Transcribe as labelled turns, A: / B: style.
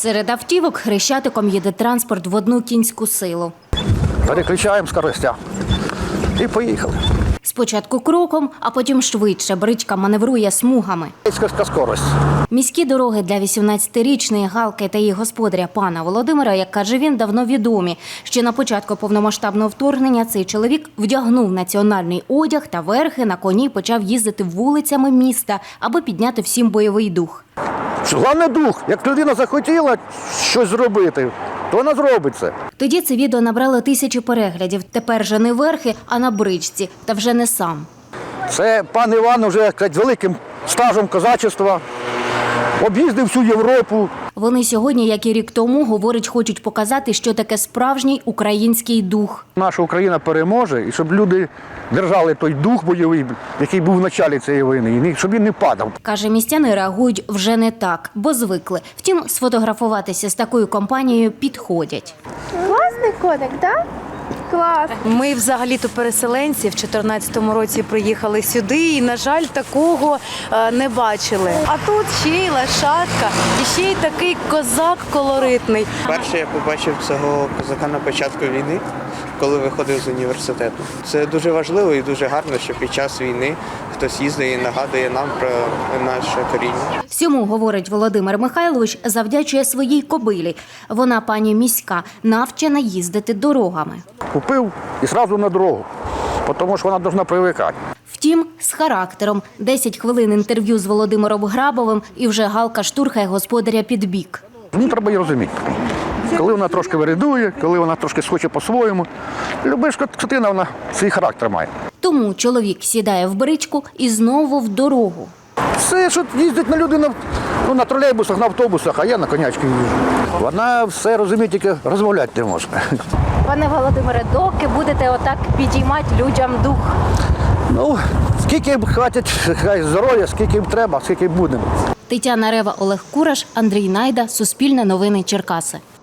A: Серед автівок Хрещатиком їде транспорт в одну кінську силу.
B: Переключаємо скоростя і поїхали.
A: Спочатку кроком, а потім швидше бричка маневрує смугами.
B: Низька скорость.
A: Міські дороги для 18-річної Галки та її господаря пана Володимира, як каже він, давно відомі. Ще на початку повномасштабного вторгнення цей чоловік вдягнув національний одяг та верхи на коні почав їздити вулицями міста, аби підняти всім бойовий дух.
B: Головне дух. Як людина захотіла щось зробити, то вона зробить це.
A: Тоді це відео набрало тисячі переглядів. Тепер же не верхи, а на бричці. Та вже не сам.
B: Це пан Іван вже великим стажем козачества. Об'їздив всю Європу.
A: Вони сьогодні, як і рік тому, говорять, хочуть показати, що таке справжній український дух.
B: Наша Україна переможе, і щоб люди держали той дух бойовий, який був в началі цієї війни, і щоб він не падав.
A: Каже, містяни реагують вже не так, бо звикли. Втім, сфотографуватися з такою компанією підходять.
C: Класний коник, так? Клас.
D: Ми взагалі-то переселенці в 2014 році приїхали сюди і, на жаль, такого не бачили. А тут ще й лошадка, і ще й такий козак колоритний.
E: Перше я побачив цього козака на початку війни, коли виходив з університету. Це дуже важливо і дуже гарно, що під час війни хтось їздить і нагадує нам про наше коріння.
A: Всьому, говорить Володимир Михайлович, завдячує своїй кобилі. Вона, пані міська, навчена їздити дорогами.
B: Купив і одразу на дорогу, тому що вона повинна привикати.
A: Втім, з характером. 10 хвилин інтерв'ю з Володимиром Грабовим і вже Галка штурхає господаря під бік.
B: Мені треба її розуміти. Коли вона трошки вирядує, коли вона трошки схоче по-своєму. Люба скотина, вона свій характер має.
A: Тому чоловік сідає в бричку і знову в дорогу.
B: Все, що їздить на людину, на тролейбусах, на автобусах, а я на конячки їжджу. Вона все розуміє, тільки розмовляти не може.
A: Пане Володимире, доки будете отак підіймати людям дух?
B: Ну, скільки їм хватить здоров'я, скільки їм треба, скільки їм будемо.
A: Тетяна Рева, Олег Кураш, Андрій Найда, Суспільне новини Черкаси.